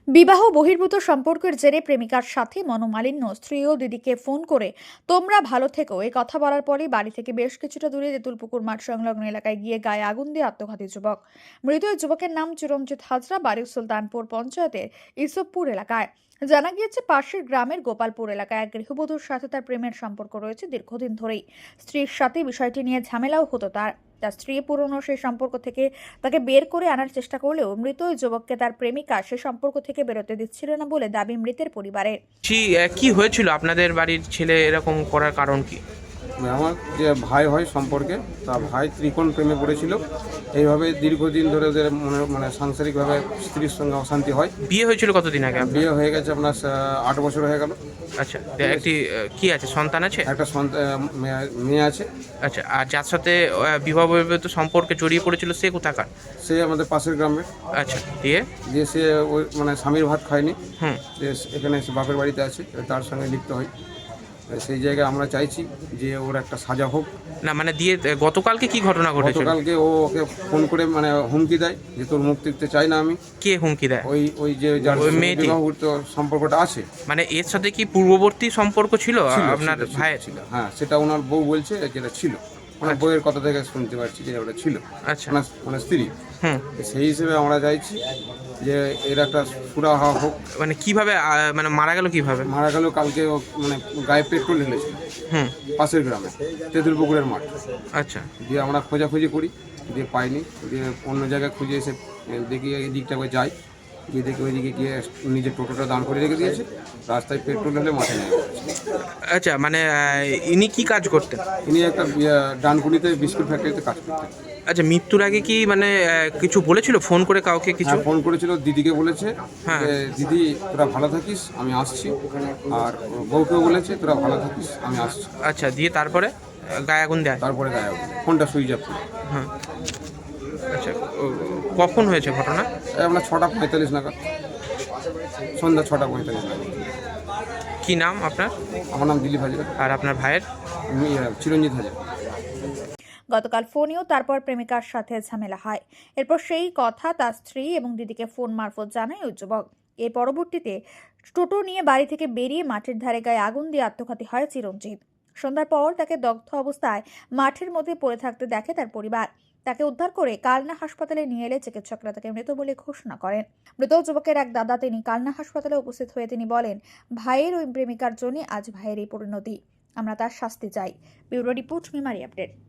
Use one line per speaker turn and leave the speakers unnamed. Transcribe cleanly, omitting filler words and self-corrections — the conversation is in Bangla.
বিবাহ বহির্ভূত সম্পর্কের জেরে প্রেমিকার সাথে মনোমালিন্য, স্ত্রী ও দিদিকে ফোন করে তোমরা ভালো থেকো এই কথা বলার পরই বাড়ি থেকে বেশ কিছুটা দূরে তেঁতুলপুকুর মাঠ সংলগ্ন এলাকায় গিয়ে গায়ে আগুন দিয়ে আত্মঘাতী যুবক। মৃত ওই যুবকের নাম চিরঞ্জিত হাজরা, বাড়ি সুলতানপুর পঞ্চায়েতের ইসবপুর এলাকায়। জানা গিয়েছে পাশের গ্রামের গোপালপুর এলাকায় এক গৃহবধূর সাথে তার প্রেমের সম্পর্ক রয়েছে দীর্ঘদিন ধরেই। স্ত্রীর সাথে বিষয়টি নিয়ে ঝামেলাও হতো তার স্ত্রী পুরনো সেই সম্পর্ক থেকে তাকে বের করে আনার চেষ্টা করলেও মৃত ওই যুবককে তার প্রেমিকা সে সম্পর্ক থেকে বেরোতে দিচ্ছিল না বলে দাবি মৃতের পরিবারের।
কি হয়েছিল আপনাদের বাড়ির ছেলে এরকম করার কারণ কি?
আমার যে ভাই হয় সম্পর্কে, তা ভাই ত্রিকোণ প্রেমে পড়েছিল। এইভাবে দীর্ঘদিন ধরে ওদের সাংসারিকভাবে স্ত্রীর সঙ্গে অশান্তি হয়।
বিয়ে হয়েছিল কতদিন আগে আপনার?
বিয়ে হয়ে গেছে আপনার 8 বছর হয়ে গেল।
আচ্ছা, একটি কি আছে, সন্তান আছে?
একটা মেয়ে আছে।
আচ্ছা, আর যার সাথে বিবাহ বহির্ভূত সম্পর্কে জড়িয়ে পড়েছিল সে কোথাকার?
সে আমাদের পাশের গ্রামের।
আচ্ছা, দিয়ে
সে ওই স্বামীর ভাত খায়নি।
হুম
যে এখানে সে বাপের বাড়িতে আছে, তার সঙ্গে লিপ্ত হয়। সেই জায়গায় আমরা চাইছি যে ওর একটা সাজা হোক।
না মানে দিয়ে গতকালকে কি ঘটনা ঘটেছিল?
গতকালকে ও ওকে ফোন করে হুমকি দেয় যে তোর মুখ দেখতে চাই না আমি।
কে হুমকি দেয়?
ওই যে যার
ওই মেয়েটি?
বিবাহিত সম্পর্কটা আছে।
মানে এর সাথে কি পূর্ববর্তী সম্পর্ক ছিল আপনার ভাইয়ের?
ছিল, হ্যাঁ, সেটা ওনার বউ বলছে যেটা ছিল। ওনার বউয়ের কথা থেকে শুনতে পারছি যে ওটা ছিল।
আচ্ছা।
মানে স্ত্রী।
হুম
সেই হিসেবে আমরা চাইছি যে এর একটা সুরাহা হোক।
মানে কিভাবে মানে মারা গেল কিভাবে?
মারা গেল কালকে ও গায়ে পেট্রোল ঢেলেছিল
হুম
পাশের গ্রামে, তেঁতুলপুকুরের মাঠ।
আচ্ছা।
দিয়ে আমরা খোঁজাখুঁজি করি, দিয়ে পাইনি। দিয়ে অন্য জায়গায় খুঁজে এসে দেখি এই দিকটা করে যাই, গিয়ে দেখি ওইদিকে গিয়ে নিজের টোটোটা দান করে রেখে দিয়েছে। রাস্তায় পেট্রোল ঢেলে মাঠে নিয়ে গেছে।
আচ্ছা, মানে ইনি কি কাজ করতেন?
ইনি একটা ডানকুনিতে বিস্কুট ফ্যাক্টরিতে কাজ করতেন।
আচ্ছা, মৃত্যুর আগে কি মানে কিছু বলেছিল ফোন করে কাউকে কিছু?
হ্যাঁ, ফোন করেছিল, দিদিকে বলেছে
হ্যাঁ।
যে দিদি তোরা ভালো থাকিস, আমি আসছি। আর বউকেও বলেছে তোরা ভালো থাকিস, আমি আসছি।
আচ্ছা, দিয়ে তারপরে গায়ে আগুন দেয়?
তারপরে গায়ে ফোনটা সুইচ অফ।
হ্যাঁ। আচ্ছা, কখন হয়েছে ঘটনা?
আমরা 6:45 নাগাদ, সন্ধ্যা 6:45 নাগাদ।
কি নাম আপনার?
আমার নাম দিলীপ হাজরা।
আর আপনার ভাইয়ের?
আমি চিরঞ্জিত হাজরা।
গতকাল ফোনেও তারপর প্রেমিকার সাথে ঝামেলা হয়। এরপর সেই কথা তার স্ত্রী এবং দিদিকে ফোন মারফত জানায় ওই যুবক। এর পরবর্তীতে টোটো নিয়ে বাড়ি থেকে বেরিয়ে মাঠের ধারে গায়ে আগুন দিয়ে আত্মঘাতী হয় চিরঞ্জিত। সন্ধ্যার পর তাকে দগ্ধ অবস্থায় মাঠের মধ্যে পড়ে থাকতে দেখে তার পরিবার। তাকে উদ্ধার করে কালনা হাসপাতালে নিয়ে এলে চিকিৎসকরা তাকে মৃত বলে ঘোষণা করেন। মৃত যুবকের এক দাদা, তিনি কালনা হাসপাতালে উপস্থিত হয়ে তিনি বলেন, ভাইয়ের ওই প্রেমিকার জন্য আজ ভাইয়ের এই পরিণতি। আমরা তার শাস্তি চাই। Bureau report, Memari update.